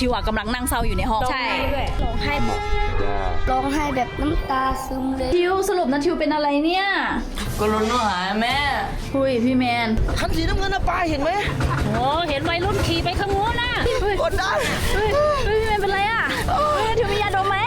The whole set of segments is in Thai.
ทิวอ่ะกำลังนั่งเศร้าอยู่ในห้องใช่ร้องไห้แบบน้ำตาซึมเลยทิวสรุปนัททิวเป็นอะไรเนี่ยก็รถหายแม่หุยพี่แมนคันสีน้ำเงินนะป้าเห็นไหมโอ้เห็นวัยรุ่นขี่ไปข้างโน้นน่ะกดได้พี่แมนเป็นไรอ่ะทิวมียาดมไหม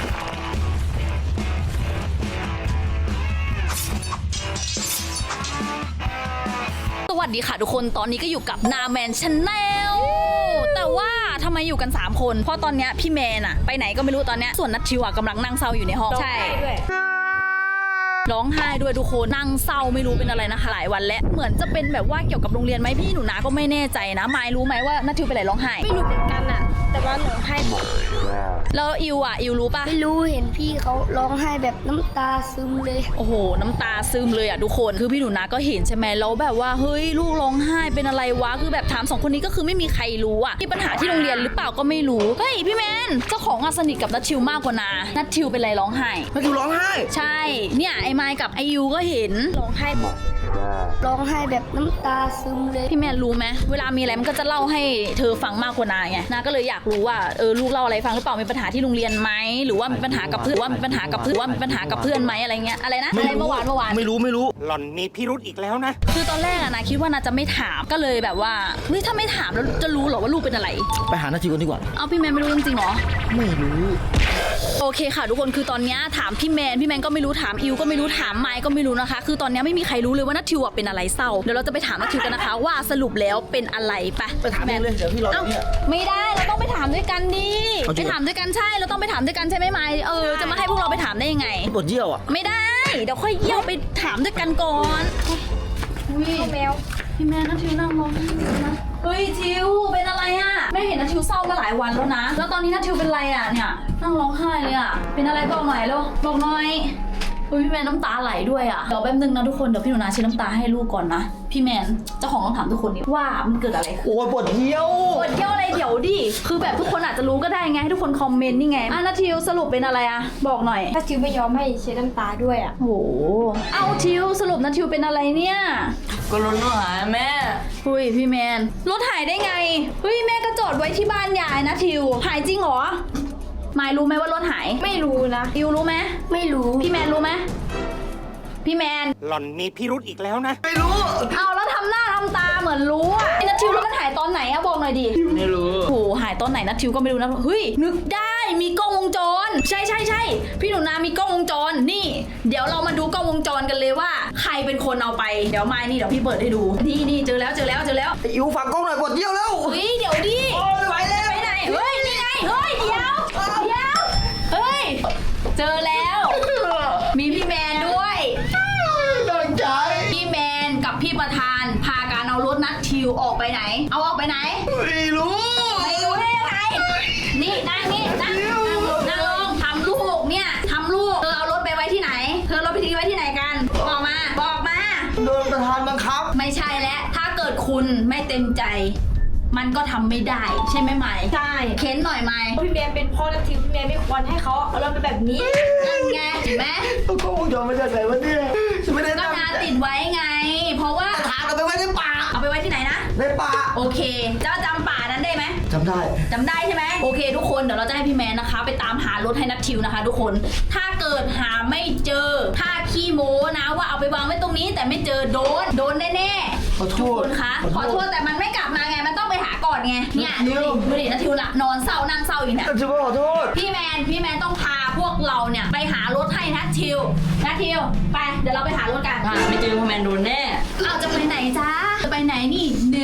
สวัสดีค่ะทุกคนตอนนี้ก็อยู่กับนาแมนชาแนลแต่ว่าทำไมอยู่กัน3คนเพราะตอนนี้พี่แมนอะไปไหนก็ไม่รู้ตอนนี้ส่วนนัททิวอะกำลังนั่งเศร้าอยู่ในห้องใช่ร้องไห้ด้วยทุกคนนั่งเศร้าไม่รู้เป็นอะไรนะคะหลายวันแล้วเหมือนจะเป็นแบบว่าเกี่ยวกับโรงเรียนไหมพี่หนูนาก็ไม่แน่ใจนะมายรู้ไหมว่านัททิวเป็นอะไรร้องไห้ไม่รู้เหมือนกันอะแต่ว่าร้องไห้บ่อยแล้วอิวรู้ปะไม่รู้เห็นพี่เขาร้องไห้แบบน้ำตาซึมเลยโอ้โหน้ำตาซึมเลยอ่ะทุกคนคือพี่หนูนาก็เห็นใช่ไหมแล้วแบบว่าเฮ้ยลูกร้องไห้เป็นอะไรวะคือแบบถาม2คนนี้ก็คือไม่มีใครรู้อ่ะมีปัญหาที่โรงเรียนหรือเปล่าก็ไม่รู้เฮ้ยพี่แมนเจ้าของสนิทกับนัททิวมากกว่านานัททิวเป็นอะไรร้องไห้นัททิวร้องไห้ใช่เนี่ยไอ้ไมค์กับไอยูก็เห็นร้องไห้บ่อยร้องไห้แบบน้ำตาซึมเลยพี่แมนรู้ไหมเวลามีอะไรมันก็จะเล่าให้เธอฟังมากกว่านาไงนาก็เลยอยากรู้ว่าลูกเล่าอะไรฟังหรือเปล่ามีปัญหาที่โรงเรียนไหมหรือว่ามีปัญหากับเพื่อนไหมอะไรเงี้ยอะไรนะอะไรเมื่อวานไม่รู้หล่อนมีพิรุธอีกแล้วนะคือตอนแรกอะนะคิดว่านาจะไม่ถามก็เลยแบบว่าเฮ้ยถ้าไม่ถามแล้วจะรู้หรอว่าลูกเป็นอะไรไปหานัททิวกันดีกว่าเอาพี่แมนไม่รู้จริงๆหรอไม่รู้โอเคค่ะทุกคนคือตอนนี้ถามพี่แมนก็ไม่รู้ถามอิวก็ไม่รู้ถามไมค์ก็ไม่รู้นะคะคือตอนนี้ไม่มีใครรู้เลยว่านัททิวเป็นอะไรเศร้าเดี๋ยวเราจะไปถามนัททิวกันนะคะว่าสรุปแล้วเป็นอะไรไปถามแมนเลยเดี๋ยวพี่รอเนี่ยไม่ได้เราต้องไปถามด้วยกันดิไปถามด้วยกันใช่เราต้องไปถามด้วยกันใช่ไหมไมค์จะมาให้พวกเราไปถามได้ยังไงปวดเยี่ยวอ่ะไม่ได้เดี๋ยวค่อยเยี่ยวไปถามด้วยกันก่อนแมวพี่แมนนัททิวนั่งร้องไห้นะเฮ้ยทิวเป็นอะไรอ่ะแม่เห็นนัททิวเศร้ามาหลายวันแล้วนะแล้วตอนนี้นัททิวเป็นอะไรอ่ะเนี่ยนั่งร้องไห้เลยอ่ะเป็นอะไรบอกหน่อยเร็วบอกหน่อยพี่แมนน้ำตาไหลด้วยอ่ะเดี๋ยวแป๊บนึงนะทุกคนเดี๋ยวพี่หนูนาเช็ดน้ำตาให้ลูกก่อนนะพี่แมนเจ้าของต้องถามทุกคนดิว่ามันเกิดอะไรขึ้นโอ้ยปวดเยี่ยวอะไรเดี๋ยวดิคือแบบทุกคนอาจจะรู้ก็ได้ไงให้ทุกคนคอมเมนต์นี่ไงนัททิวสรุปเป็นอะไรอ่ะบอกหน่อยถ้าทิวไม่ยอมให้เช็ดน้ำตาด้วยอ่ะโอ้เอาทิวสรุปนัททิวเป็นอะไรเนี่ยก็รถหายแม่หุยพี่แมนรถหายได้ไงเฮ้ยแม่ก็จอดไว้ที่บ้านยายนะทิวหายจริงเหรอมายรู้ไหมว่ารถหายไม่รู้นะอิวรู้ไหมไม่รู้พี่แมนรู้ไหมพี่แมนหล่อนมีพิรุธอีกแล้วนะไม่รู้เอาแล้วทำหน้าทำตาเหมือนรู้อ่ะนัททิวแล้วมันหายตอนไหนอะบอกหน่อยดิไม่รู้โหหายตอนไหนนัททิวก็ไม่รู้นะเฮ้ยนึกได้มีกล้องวงจรใช่พี่หนูนามีกล้องวงจรนี่เดี๋ยวเรามาดูกล้องวงจรกันเลยว่าใครเป็นคนเอาไปเดี๋ยวไม่นี่เดี๋ยวพี่เปิดให้ดูนี่เจอแล้วอิวฝากกล้องหน่อยปวดเยี่ยวแล้วเฮ้ยเดี๋ยวดิโอ้ยไหวแล้วไปไหนเฮ้ยนี่ไงเฮ้ยเดี๋ยวเฮ้ยเจอแล้วมีพี่แมนด้วยตั้งใจพี่แมนกับพี่ประธานพาการเอารถนัททิวออกไปไหนเอาออกไปไหนไม่รู้ได้ยังไงนี่นั่งลงทำลูกเนี่ยทำลูกเธอเอารถไปไว้ที่ไหนเธอรถไปทิ้งไว้ที่ไหนกันบอกมาโดนประธานบังคับไม่ใช่แล้วถ้าเกิดคุณไม่เต็มใจมันก็ทำไม่ได้ใช่ไหมไหมใช่เค้นหน่อยไหมพี่แมนเป็นพ่อนัททิวพี่แมนไม่ควรให้เขาเอาเราไปแบบนี้นั่นไงเห็นไหมก็วงจรไม่ได้ไหนวะเนี่ยไม่ได้ก็นาติดไว้ไงเพราะว่าถามเอาไปไว้ในป่าเอาไปไว้ที่ไหนนะในป่าโอเคเจ้าจำป่านั้นได้ไหมจำได้ใช่ไหมโอเคทุกคนเดี๋ยวเราจะให้พี่แมนนะคะไปตามหารถให้นัททิวนะคะทุกคนถ้าเกิดหาไม่เจอถ้าขี้โม้นะว่าเอาไปวางไว้ตรงนี้แต่ไม่เจอโดนแน่ขอโทษคะขอโทษแต่มันไม่กลับมาไงมันต้องไปหาก่อนไงเนี่ยดูดินัททิวละนอนเศร้านั่งเศร้าอยู่เนี่ยจะขอโทษพี่แมนต้องพาพวกเราเนี่ยไปหารถให้นัททิวไปเดี๋ยวเราไปหารถกันไม่เจอพ่อแมนโดนแน่เอาจะไปไหนจ้าจะไปไหนนี่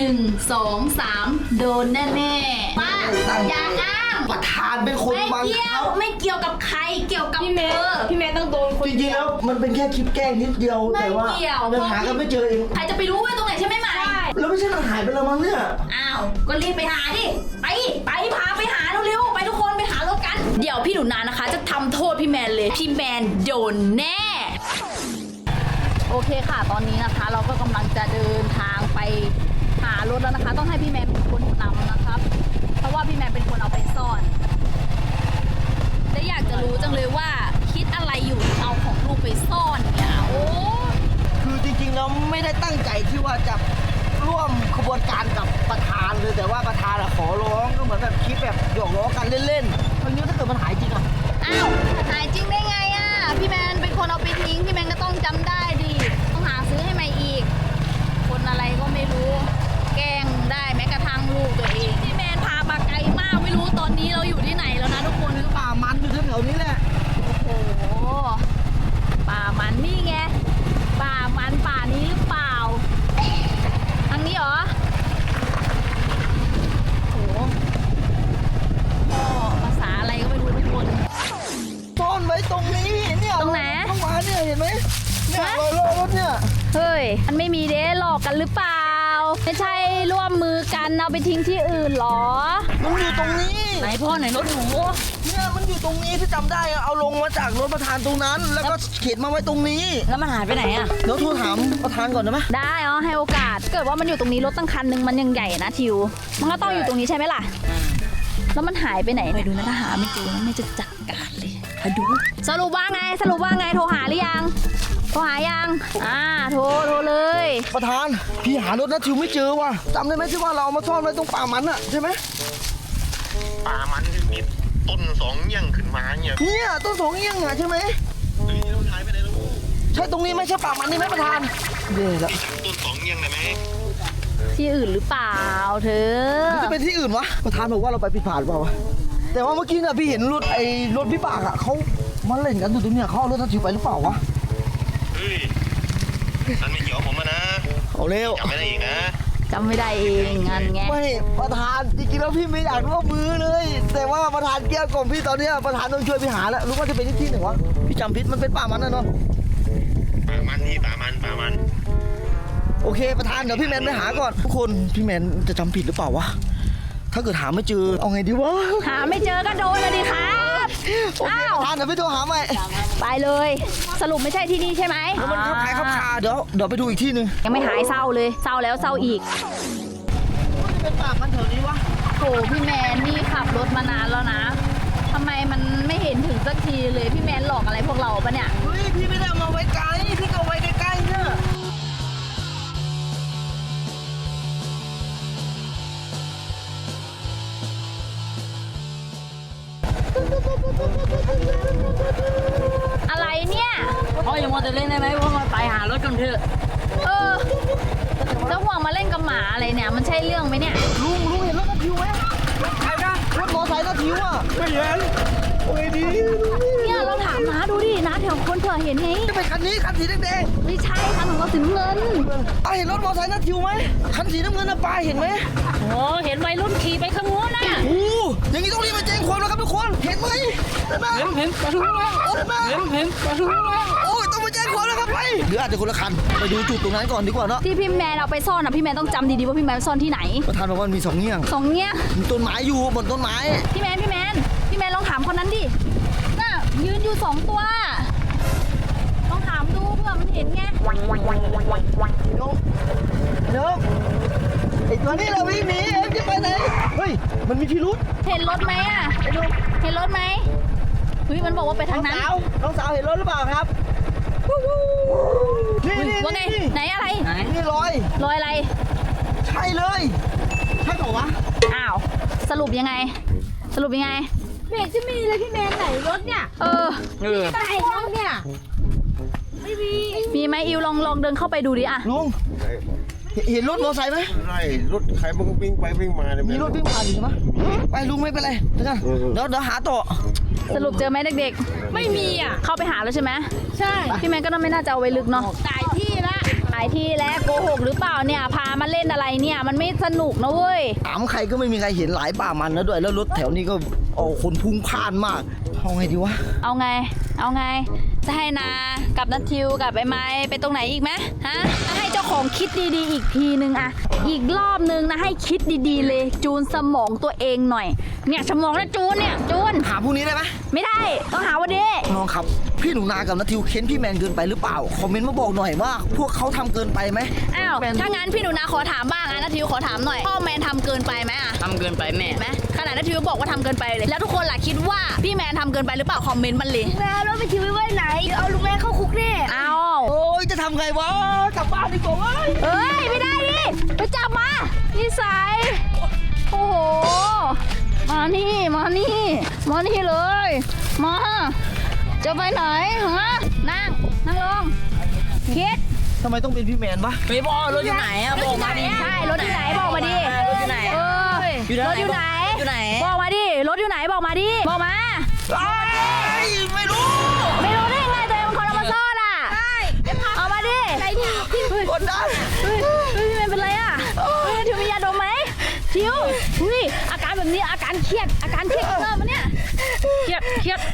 1 2 3โดนแน่ป้าอย่าอ้างประธานเป็นคนบังคับไม่เกี่ยวกับใครเกี่ยวกับพี่แมนต้องโดนคนจริงๆแล้วมันเป็นแค่คลิปแกล้งนิดเดียวแต่ว่ามันหากันไม่เจอเองใครจะไปรู้ว่าตรงไหนใช่ไหมไหมแล้วไม่ใช่มันหายไปแล้วมั้งเนี่ยอ้าวก็รีบไปหาดิไปพาไปหาเร็วๆไปทุกคนไปหารถกันเดี๋ยวพี่หนูนานะคะจะทำโทษพี่แมนเลยพี่แมนโดนแน่โอเคค่ะตอนนี้นะคะเราก็กำลังจะเดินทางไปหารถแล้วนะคะต้องให้พี่แมนเป็นคนนำนะครับเพราะว่าพี่แมนเป็นคนเอาไปซ่อนและอยากจะรู้จังเลยว่าคิดอะไรอยู่เอาของลูกไปซ่อนเนี่ยโอ้คือจริงๆแล้วไม่ได้ตั้งใจที่ว่าจะทร่วมขบวนการกับประธานเลยแต่ว่าประธานอะขอร้องก็เหมือนแบบคิดแบบหยอกล้อกันเล่นๆเพราะงี้ถ้าเกิดมันหายจริงอะอ้าวหายจริงได้ไงอ่ะพี่แมนเป็นคนเอาไปทิ้งพี่แมนก็ต้องจำได้ดิต้องหาซื้อให้ใหม่อีก คนอะไรก็ไม่รู้ แกล้งได้แม้กระทั่งลูกตัวเองพี่แมนพามาไกลมากไม่รู้ตอนนี้เราอยู่ที่ไหนแล้วนะทุกคนป่ามันอยู่แถวๆนี้แหละโอ้โหป่ามันนี่ไงป่ามันป่านี้หรือเปล่าทางนี้เหรอโอ้โหพ่อภาษาอะไรก็ไม่รู้ทุกคนซ่อนไว้ตรงนี้เนี่ยตรงไหนต้องมาเนี่ยเห็นไหมเนี่ยฮะรอยรถเนี่ยเฮ้ย มันไม่มีเด้หลอกกันหรือเปล่า ไม่ใช่ร่วมมือกันเอาไปทิ้งที่อื่นเหรอมันอยู่ตรงนี้ไหนพ่อไหนรถหนูเนี่ยมันอยู่ตรงนี้ที่จำได้อะเอาลงมาจากรถประธานตรงนั้น แล้วก็เข็นมาไว้ตรงนี้แล้วมันหายไปไหนอ่ะเดี๋ยวโทรถามประธานก่อนได้ไหมได้อ๋อให้โอกาส เกิดว่ามันอยู่ตรงนี้รถตั้งคันหนึ่งมันยังใหญ่นะทิว มันก็ต้องอยู่ตรงนี้ใช่ไหมล่ะ แล้วมันหายไปไหนไปดูนะถ้าหาไม่เจอแม่จะจัดการเลยไปดู สรุปว่าไง สรุปว่าไง โทรหาหรือยัง โทรหายัง โทรเลยประธานพี่หารถนะทิวไม่เจอว่ะจำได้ไหมที่ว่าเราเอามาซ่อนไว้ตรงป่ามันอะใช่ไหมป่ามันมีต้นสองเงี้ยงขึ้นมาเนี่ยเนี่ยต้นสองเอี้ยงอะใช่ไหมเฮ้ยเราถ่ายไปไหนแล้วใช่ตรงนี้ไหมใช่ป่ามันนี่ไหมประธานเดี๋ยวละต้นสองเงี้ยงได้ไหมที่อื่นหรือเปล่าเธอมันจะเป็นที่อื่นวะประธานบอกว่าเราไปผิดพลาดเปล่าวะแต่ว่าเมื่อกี้น่ะพี่เห็นรถพี่ปากอะเขามาเล่นกันอยู่ตรงเนี้ยเขาเอารถทันทิวไปหรือเปล่าวะเฮ้ยฉันไม่เกี่ยวผมนะเอาเร็วจำไม่ได้อีกนะจำไม่ได้เองงานไงไม่ประธานจริงๆแล้วพี่ไม่อยากร่วมมือเลย แต่ว่าประธานเกลี้ยกล่อมพี่ตอนเนี้ยประธานต้องช่วยพี่หาแล้วรู้ว่าจะเป็นที่ไหนวะพี่จำผิดมันเป็นป่ามันนะเนาะป่ามันนี่ป่ามันโอเคประธานเดี๋ยวพี่แมนไปหาก่อนทุกคนพี่แมนจะจำผิดหรือเปล่าวะถ้าเกิดหาไม่เจอเอาไงดีวะหาไม่เจอก็โดนเลยดิครับโอเคอ้าวประธานเดี๋ยวพี่โทรหาใหม่ไปเลย สรุปไม่ใช่ที่นี่ใช่ไหมแล้วมันขับขายขับคาเดี๋ยวไปดูอีกที่หนึงยังไม่หายเศร้าเลย เศร้าแล้วเศร้าอีกเป็นป่ามันแถวนี้วะโหพี่แมนนี่ขับรถมานานแล้วนะทำไมมันไม่เห็นถึงสักทีเลยพี่แมนหลอกอะไรพวกเราปะเนี่ยเฮ้ยพี่ไม่ได้เอามาไว้ไกลพี่ก็เอาไว้ใกล้ๆเนี่ยอะไรเนี่ยพ่ออย่ามัวแต่เล่นได้ไหมพ่อมาไปหารถกันเถอะเออจะห่วงมาเล่นกับหมาอะไรเนี่ย มันใช่เรื่องไหมเนี่ยลุงเห็นรถนาทิวไหมใครนะรถมอไซค์นาทิวอ่ะไม่เห็นโอ้ยดีเนี่ยเราถามน้าดูดิน้าแถวคนเผื่อเห็นไงจะเป็นคันนี้คันสีแดงไม่ใช่คันของเราสีน้ำเงินๆป้าเห็นรถมอไซค์นาทิวไหมคันสีน้ำเงินนะป้าเห็นไหมโอ้เห็นวัยรุ่นขี่ไปข้างโน้นน่ะโอ้อย่างนี้ต้องรีบมาแจ้งความแล้วครับทุกคนเห็นไหมเห็นไหมเห็นปลาทูแล้วโอ้เห็นไหมเห็นปลาทูแล้วโอ้ยต้องมาแจ้งความแล้วครับไปหรืออาจจะคนละคันไปดูจุดตรงนั้นก่อนดีกว่าเนาะที่พี่แมนเอาไปซ่อนอ่ะพี่แมนต้องจำดีๆว่าพี่แมนซ่อนที่ไหนประธานบอกว่ามีสองเงี้ยงสองเนี่ยมีต้นไม้อยู่บนต้นไม้พี่แมนลองถามคนนั้นดิน่ะยืนอยู่2 ตัวลองถามดูเผื่อมันเห็นไงเดี๋ยวไอ้ตัวนี้เราวิ่งหนีเอ็มจะไปไหนเฮ้ยมันมีพิรุษเห็นรถไหมอ่ะเห็นรถไหมเฮ้ยมันบอกว่าไปทางนั้นน้องสาวเห็นรถหรือเปล่าครับนี่นี่ว่าไงนี่ไหนอะไรนี่รอยรอยอะไรใช่เลยใช่เปล่าวะอ้าวสรุปยังไงไม่เห็นจะมีเลยพี่แมนไหนรถเนี่ยไหนรถเนี่ยไม่มีไหมอิวลองเดินเข้าไปดูดิอ่ะลุงเห็นรถมอเตอร์ไซค์ไหมไล่รถใครมันก็วิ่งไปวิ่งมาเนี่ยมีรถวิ่งผ่านอยู่ใช่ไหมไปลุงไม่เป็นไรเดี๋ยวหาต่อสรุปเจอไหมเด็กๆไม่มีอ่ะเข้าไปหาแล้วใช่ไหมใช่พี่แมนก็ไม่น่าจะเอาไว้ลึกเนาะหลายที่แล้วโกหกหรือเปล่าเนี่ยพามาเล่นอะไรเนี่ยมันไม่สนุกนะเว้ยถามใครก็ไม่มีใครเห็นหลายป่ามันนะด้วยแล้วรถแถวนี้ก็คนพุ่งพล่านมากเอาไงดีวะเอาไงจะให้นากับนัททิวกับไอ้ไม้ไปตรงไหนอีกไหมฮะให้เจ้าของคิดดีๆอีกทีนึงอะอีกรอบนึงนะให้คิดดีๆเลยจูนสมองตัวเองหน่อยเนี่ยสมองนะจูนจูนหาพรุ่งนี้ได้ไหมไม่ได้ต้องหาวันนี้น้องครับพี่หนูนากับนัททิวเค้นพี่แมนเกินไปหรือเปล่าคอมเมนต์มาบอกหน่อยว่าพวกเขาทำเกินไปไหมอ้าวถ้างั้นพี่หนูนาขอถามบ้างอะนะทิวขอถามหน่อยพ่อแมนทำเกินไปไหมอะทำเกินไปแม่เห็นไหมขนาดนะทิวบอกว่าทำเกินไปเลยแล้วทุกคนล่ะคิดว่าพี่แมนทำเกินไปหรือเปล่าคอมเมนต์มันเลยแม่รถไปทิ้งไว้ไหนเดี๋ยวเอาลุงแม่เข้าคุกแน่เอาโอ้ยจะทำไงวะกลับบ้านดีกว่าเว้ยเอ้ยไม่ได้ดิไปจับมานิสัยโอ้โหมานี่มานี่มานี่เลยมาจะไปไหนฮะนั่งลงคิดทำไมต้องเป็นพี่แมนวะไม่บอกรถอยู่ไหนอะบอกมาดิใช่รถอยู่ไหนบอกมาดิรถอยู่ไหนเอออยู่รถอยู่ไหนอยู่ไหนบอกมาดิรถอยู่ไหนบอกมาดิบอกมาไม่รู้ไม่รู้ได้ไงตัวเองเป็นคนเอามาซ่อนอ่ะใช่เอามาดิไหนเนี่ยกดดันเฮ้ยพี่แมนเป็นไรอ่ะเฮ้ยทิวมียาดมไหมทิวเฮ้ยอาการแบบนี้อาการเครียดเริ่มมาเนี่ยเครียด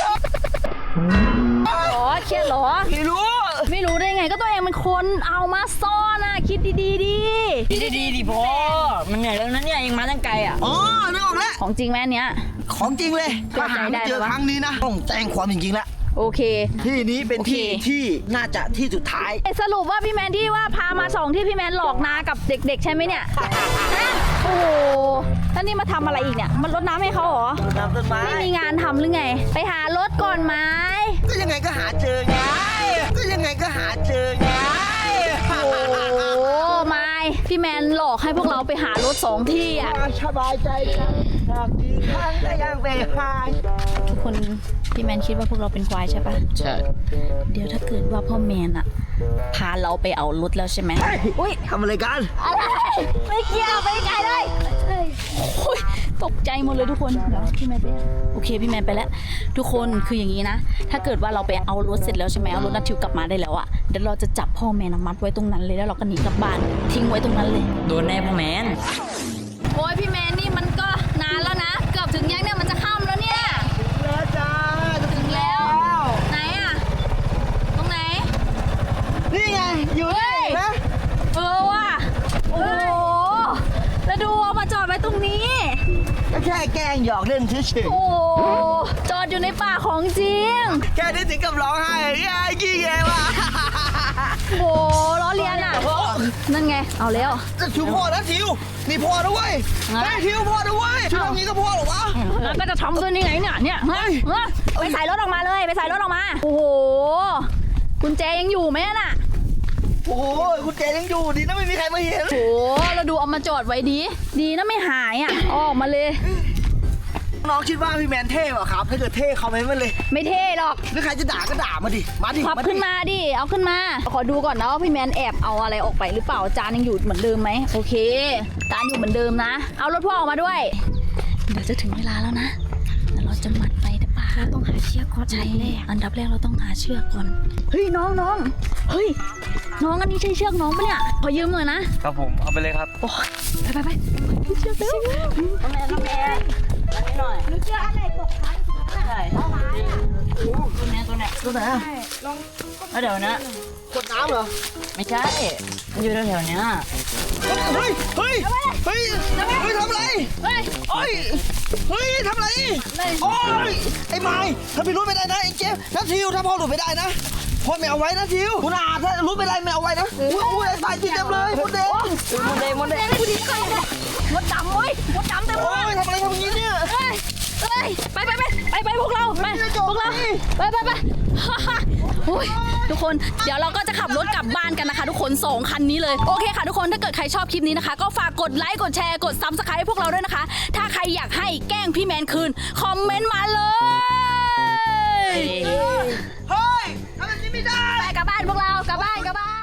หรอเครียดเหรอไม่รู้ไม่รู้ได้ไงก็ตัวเองเป็นคนเอามาซ่อนอ่ะคิดดีๆดิดีดิพ่อมันเหนื่อยแล้วนะเนี่ยเองมาตั้งไกลอะอ๋อนึกออกแล้วของจริงแม่เนี้ยของจริงเลยเชื่ถ้าอใจหาไม่เจอได้ไหมวะครั้งนี้นะต้องแจ้งความจริงๆแล้วโอเคที่นี้เป็นโอเคที่ที่น่าจะที่สุดท้ายสรุปว่าพี่แมนที่ว่าพามาส่องที่พี่แมนหลอกนากับเด็กๆใช่ไหมเนี่ยฮะโอ้โหแล้วนี่มาทำอะไรอีกเนี่ยมันรดน้ำให้เขาเหรอน้ำต้นไม้ไม่มีงานทำหรือไง ไปหารถก่อนไหมก็ยังไงก็หาเจอไงก็ยังไงก็หาเจอไงโอ้ไม่พี่แมนหลอกให้พวกเราไปหารถสองที่อ่ะสบายใจจังหากกี่ครั้งก็ยังไปหาทุกคนพี่แมนคิดว่าพวกเราเป็นควายใช่ปะใช่เดี๋ยวถ้าเกิดว่าพ่อแมนอะพาเราไปเอารถแล้วใช่ไหมอุ้ยทำอะไรกันอะไรไม่เกี่ยวไปไกลเลยโอ้ยตกใจหมดเลยทุกคนเดี๋ยวพี่แมนไปโอเคพี่แมนไปแล้ว ทุกคนคืออย่างนี้นะ ถ้าเกิดว่าเราไปเอารถเสร็จแล้วใช่ไหมเอารถนัททิวกลับมาได้แล้วอะเดี๋ยวเราจะจับพ่อแมนมัดไว้ตรงนั้นเลยแล้วเราก็หนีกลับบ้านทิ้งไว้ตรงนั้นเลยโดนแน่พ่อแมนโอ้ยพี่แมนนี่มันก็นานแล้วนะเกือบถึงยังเนี่ยมันจะค่ำแล้วเนี่ยแล้วจ้าจะถึงแล้วไหนอะตรงไหนนี่ไงอยู่นี่นะเออว่ะโอ้โหแล้วดูเอามาจอดไว้ตรงนี้ก็แค่แกล้งหยอกเล่นเฉยโอ้โหจอดอยู่ในป่าของจริงๆแค่นี้ถึงกับร้องไห้ยายขี้แกว่ะโอ้โหล้อเลียนอ่ะ นั่นไง เอาแล้วจะทิวพ่อนะทิวนี่พ่อนะเว้ยไอ้ยทิวพ่อนะเว้ยทิวทำนี้ก็พ่อเหรอวะแล้วก็จะทำด้วยนี่ไงเนี่ยฮะไปใส่รถออกมาเลยไปใส่รถออกมา โอ้โหกุญแจยังอยู่ไหมน่ะโอ้โหคุณเจยังอยู่ดีนะไม่มีใครมาเห็นโอ้โหเราดูเอามาจอดไว้ดีนะไม่หายอ่ะออกมาเลยน้องคิดว่าพี่แมนเท่เหรอครับถ้าเกิดเท่คอมเมนต์มาเลยไม่เท่หรอกหรือใครจะด่าก็ด่ามาดิมาดิขับขึ้นมาดิเอาขึ้นมาขอดูก่อนนะว่าพี่แมนแอบเอาอะไรออกไปหรือเปล่าจานยังอยู่เหมือนเดิมไหมโอเคจานอยู่เหมือนเดิมนะ เอารถพ่อออกมาด้วย เดี๋ยวจะถึงเวลาแล้วนะเดี๋ยวเราจะมัดไปแต่ป่าเราต้องหาเชือกก่อนใช่อันดับแรกเราต้องหาเชือกก่อนเฮ้ยน้องเฮ้ยน้องอันนี้ใช่เชือกน้องปะเนี่ยขอยืมหน่อยนะครับผมเอาไปเลยครับโอ้ยไปเชือกเร็วพ่อแมนอันนี้หน่อยหนูเจออะไรตกค้างใช่ตัวไหนตัวไหนอะแล้วเดี๋ยวนะกดน้ำเหรอไม่ใช่มันอยู่แถวๆเนี้ยเฮ้ยเฮ้ยเฮ้ยเฮ้ยทำอะไรเฮ้ยโอ้ยเฮ้ยทำอะไรโอ้ยไอ้ไม้ถ้าพี่รู้ไม่ได้นะไอ้เจฟน้าทิวถ้าพ่อหลุดไม่ได้นะพ่อไม่เอาไว้นะทิวคุณอาถ้ารู้ไม่ได้ไม่เอาไว้นะอุ้ยสายจีเต็มเลยหมดเด้มดเดงดูดิมดดำเว้ยมดดำเต็มเลโอ้ยยทำอะไรทำอย่างนี้เนี่ยเฮ้ยไปพวกเราไปพวกเราไปโอ้ยทุกคนเดี๋ยวเราก็จะขับรถกลับบ้านกันนะคะ ทุกคน2คันนี้เลยโอเคค่ะทุกคนถ้าเกิดใครชอบคลิปนี้นะคะ ก็ฝากกดไลค์กดแชร์กด Subscribe ให้พวกเราด้วยนะคะ ถ้าใครอยากให้แกล้งพี่แมนคืนคอมเมนต์มาเลยเฮ้ยทำแบบนี้ไม่ได้ไปกลับบ้านพวกเรากลับบ้าน